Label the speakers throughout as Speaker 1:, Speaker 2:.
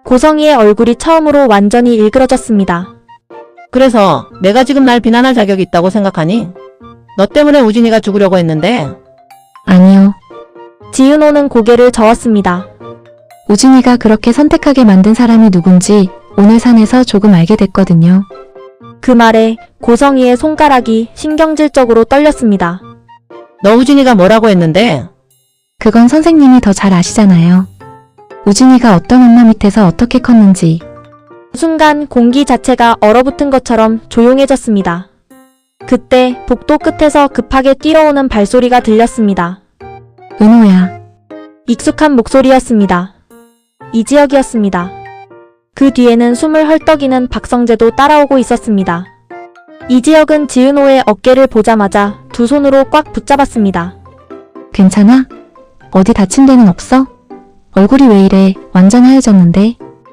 Speaker 1: 고성이의 얼굴이 처음으로 완전히 일그러졌습니다.
Speaker 2: 그래서 내가 지금 날 비난할 자격이 있다고 생각하니? 너 때문에 우진이가 죽으려고 했는데.
Speaker 3: 아니요.
Speaker 1: 지은호는 고개를 저었습니다.
Speaker 3: 우진이가 그렇게 선택하게 만든 사람이 누군지 오늘 산에서 조금 알게 됐거든요.
Speaker 1: 그 말에 고성이의 손가락이 신경질적으로 떨렸습니다.
Speaker 2: 너 우진이가 뭐라고 했는데?
Speaker 3: 그건 선생님이 더 잘 아시잖아요. 우진이가 어떤 엄마 밑에서 어떻게 컸는지.
Speaker 1: 순간 공기 자체가 얼어붙은 것처럼 조용해졌습니다. 그때 복도 끝에서 급하게 뛰어오는 발소리가 들렸습니다.
Speaker 3: 은호야.
Speaker 1: 익숙한 목소리였습니다. 이지혁이었습니다. 그 뒤에는 숨을 헐떡이는 박성재도 따라오고 있었습니다. 이지혁은 지은호의 어깨를 보자마자 두 손으로 꽉 붙잡았습니다.
Speaker 3: 괜찮아? 어디 다친 데는 없어? 얼굴이 왜 이래? 완전 하얘졌는데.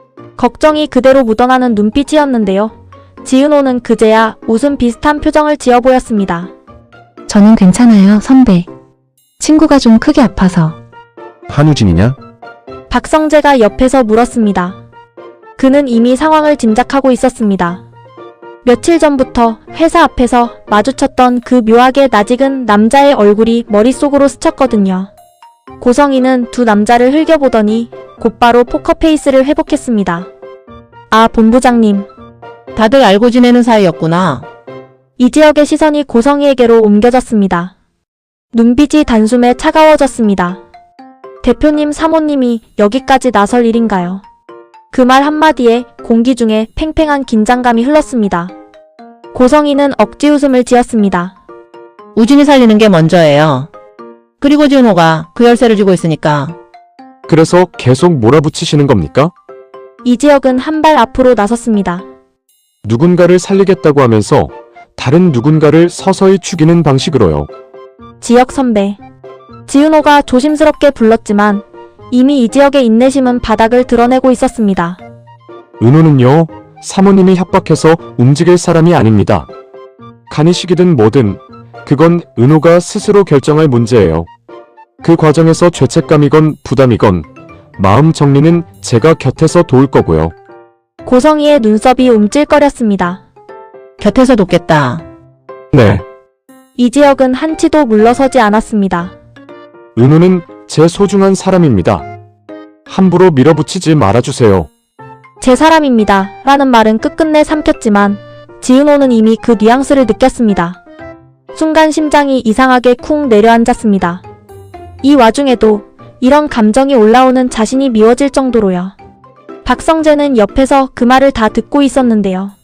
Speaker 1: 걱정이 그대로 묻어나는 눈빛이었는데요. 지은호는 그제야 웃음 비슷한 표정을 지어 보였습니다.
Speaker 3: 저는 괜찮아요, 선배. 친구가 좀 크게 아파서.
Speaker 4: 한우진이냐?
Speaker 1: 박성재가 옆에서 물었습니다. 그는 이미 상황을 짐작하고 있었습니다. 며칠 전부터 회사 앞에서 마주쳤던 그 묘하게 낯익은 남자의 얼굴이 머릿속으로 스쳤거든요. 고성이는 두 남자를 흘겨보더니 곧바로 포커페이스를 회복했습니다. 아, 본부장님.
Speaker 2: 다들 알고 지내는 사이였구나.
Speaker 1: 이지혁의 시선이 고성이에게로 옮겨졌습니다. 눈빛이 단숨에 차가워졌습니다. 대표님, 사모님이 여기까지 나설 일인가요? 그 말 한마디에 공기 중에 팽팽한 긴장감이 흘렀습니다. 고성이는 억지 웃음을 지었습니다.
Speaker 2: 우진이 살리는 게 먼저예요. 그리고 지은호가 그 열쇠를 쥐고 있으니까.
Speaker 4: 그래서 계속 몰아붙이시는 겁니까?
Speaker 1: 이지혁은 한 발 앞으로 나섰습니다.
Speaker 4: 누군가를 살리겠다고 하면서 다른 누군가를 서서히 죽이는 방식으로요.
Speaker 1: 지혁 선배. 지은호가 조심스럽게 불렀지만 이미 이지혁의 인내심은 바닥을 드러내고 있었습니다.
Speaker 4: 은호는요, 사모님이 협박해서 움직일 사람이 아닙니다. 간이식이든 뭐든 그건 은호가 스스로 결정할 문제예요. 그 과정에서 죄책감이건 부담이건 마음 정리는 제가 곁에서 도울 거고요.
Speaker 1: 고성이의 눈썹이 움찔거렸습니다.
Speaker 2: 곁에서 돕겠다.
Speaker 4: 네,
Speaker 1: 이지혁은 한치도 물러서지 않았습니다.
Speaker 4: 은호는 제 소중한 사람입니다. 함부로 밀어붙이지 말아주세요.
Speaker 1: 제 사람입니다. 라는 말은 끝끝내 삼켰지만 지은호는 이미 그 뉘앙스를 느꼈습니다. 순간 심장이 이상하게 쿵 내려앉았습니다. 이 와중에도 이런 감정이 올라오는 자신이 미워질 정도로요. 박성재는 옆에서 그 말을 다 듣고 있었는데요.